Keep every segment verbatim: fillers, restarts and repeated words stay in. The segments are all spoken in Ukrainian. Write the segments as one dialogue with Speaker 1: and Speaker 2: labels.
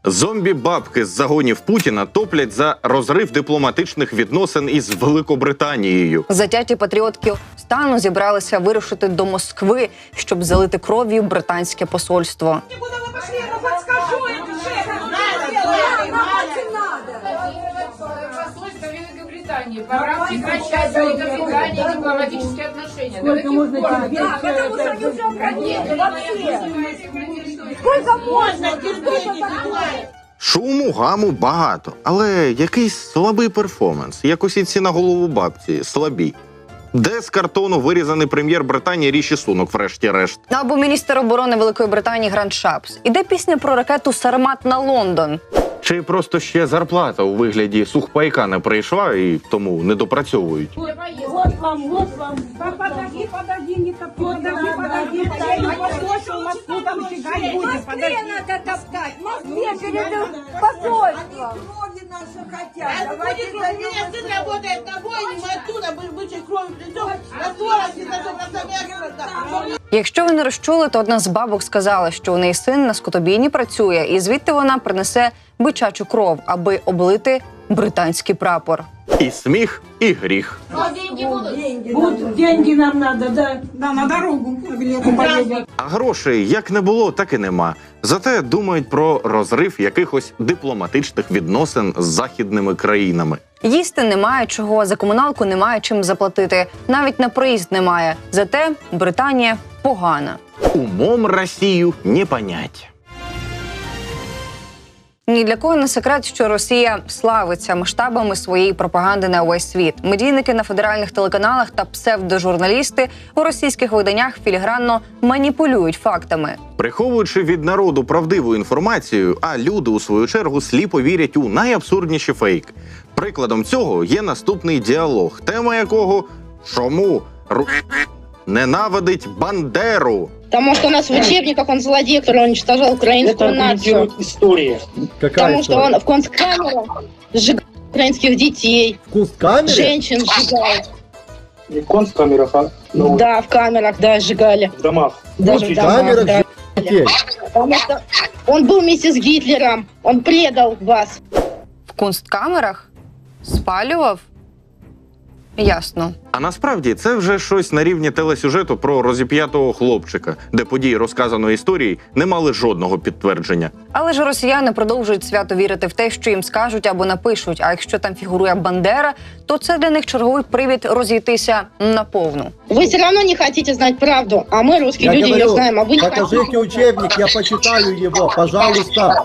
Speaker 1: Зомбі-бабки з загонів Путіна топлять за розрив дипломатичних відносин із Великобританією.
Speaker 2: Затяті патріотки стану зібралися вирушити до Москви, щоб залити кров'ю британське посольство.
Speaker 3: Пора прекращать Великобритании дипломатические отношения.
Speaker 4: Сколько можно терпеть?
Speaker 3: Да, потому что они уже обратили вообще.
Speaker 4: Сколько можно терпеть?
Speaker 1: Шуму, гаму багато, але якийсь слабий перформанс, як усі ці на голову бабці, слабі. Де з картону вирізаний прем'єр Британії Ріші Сунок, врешті-решт?
Speaker 2: Або міністр оборони Великої Британії Грант Шапс. Іде пісня про ракету «Сармат» на Лондон.
Speaker 1: Чи просто ще зарплата у вигляді сухпайка не прийшла і тому не допрацьовують?
Speaker 4: Вот вам, вот вам. Подожди, подожди, не топи. Подожди, подожди. Я послушал, Москву там фигать будет. Подожди.
Speaker 5: Надо топтать. В Москве перед посольством.
Speaker 4: Крови наши хотят.
Speaker 5: А
Speaker 4: Давайте
Speaker 5: будет, меня сын работает на бойне, мы оттуда бычьей кровью придем, на сорок и на
Speaker 2: Якщо ви не розчули, то одна з бабок сказала, що у неї син на скотобійні працює, і звідти вона принесе бичачу кров, аби облити британський прапор.
Speaker 1: І сміх, і гріх.
Speaker 5: деньги будут.
Speaker 4: будут деньги нам надо, да. Да, на дорогу.
Speaker 1: А грошей як не було, так і нема. Зате думають про розрив якихось дипломатичних відносин з західними країнами.
Speaker 2: Їсти немає чого, за комуналку немає чим заплатити, навіть на проїзд немає. Зате Британія погана.
Speaker 1: Умом Росію не понять.
Speaker 2: Ні для кого не секрет, що Росія славиться масштабами своєї пропаганди на увесь світ. Медійники на федеральних телеканалах та псевдожурналісти у російських виданнях філігранно маніпулюють фактами.
Speaker 1: Приховуючи від народу правдиву інформацію, а люди, у свою чергу, сліпо вірять у найабсурдніші фейк. Прикладом цього є наступний діалог, тема якого «Чому Ру... ненавидить Бандеру?»
Speaker 6: Потому что у нас в учебниках он злодей, который уничтожал украинскую
Speaker 7: Это
Speaker 6: нацию.
Speaker 7: аргументирует история.
Speaker 8: Какая
Speaker 6: Потому что
Speaker 8: история?
Speaker 6: он в концкамерах сжигал украинских детей,
Speaker 8: В кунсткамере?
Speaker 6: женщин сжигал.
Speaker 7: Не в концкамерах, а ну,
Speaker 6: Да, в камерах, да, сжигали.
Speaker 7: в домах.
Speaker 6: Даже в
Speaker 8: В
Speaker 6: домах,
Speaker 8: камерах
Speaker 6: да.
Speaker 8: детей.
Speaker 6: Потому что он был вместе с Гитлером, он предал вас.
Speaker 2: В кунсткамерах? Спалював? Ясно.
Speaker 1: А насправді це вже щось на рівні телесюжету про розіп'ятого хлопчика, де події розказаної історії не мали жодного підтвердження.
Speaker 2: Але ж росіяни продовжують свято вірити в те, що їм скажуть або напишуть. А якщо там фігурує Бандера, то це для них черговий привід розійтися наповну.
Speaker 6: Вы все равно не хотите знать правду, а мы, русские
Speaker 8: Я
Speaker 6: люди,
Speaker 8: говорю,
Speaker 6: ее знаем, а вы не хотите.
Speaker 8: покажите учебник, я почитаю его, пожалуйста.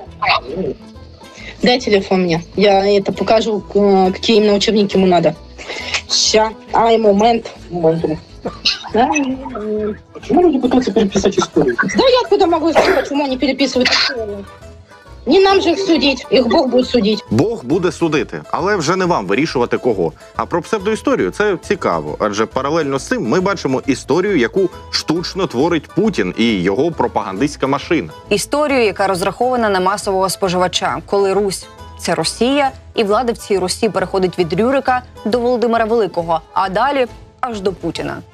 Speaker 6: Дай телефон мне, я это покажу, к- какие именно учебники ему надо. Ща, ай, момент.
Speaker 7: Моментум.
Speaker 6: Да?
Speaker 7: Почему люди пытаются переписать историю?
Speaker 6: Да я откуда могу знать, почему они переписывают историю? Не нам же их судить, их Бог будет судить.
Speaker 1: Бог буде судити, але вже не вам вирішувати кого. А про псевдоісторію це цікаво, адже паралельно з цим ми бачимо історію, яку штучно творить Путін і його пропагандистська машина.
Speaker 2: Історію, яка розрахована на масового споживача, коли Русь – це Росія, і влада в цій Русі переходить від Рюрика до Володимира Великого, а далі аж до Путіна.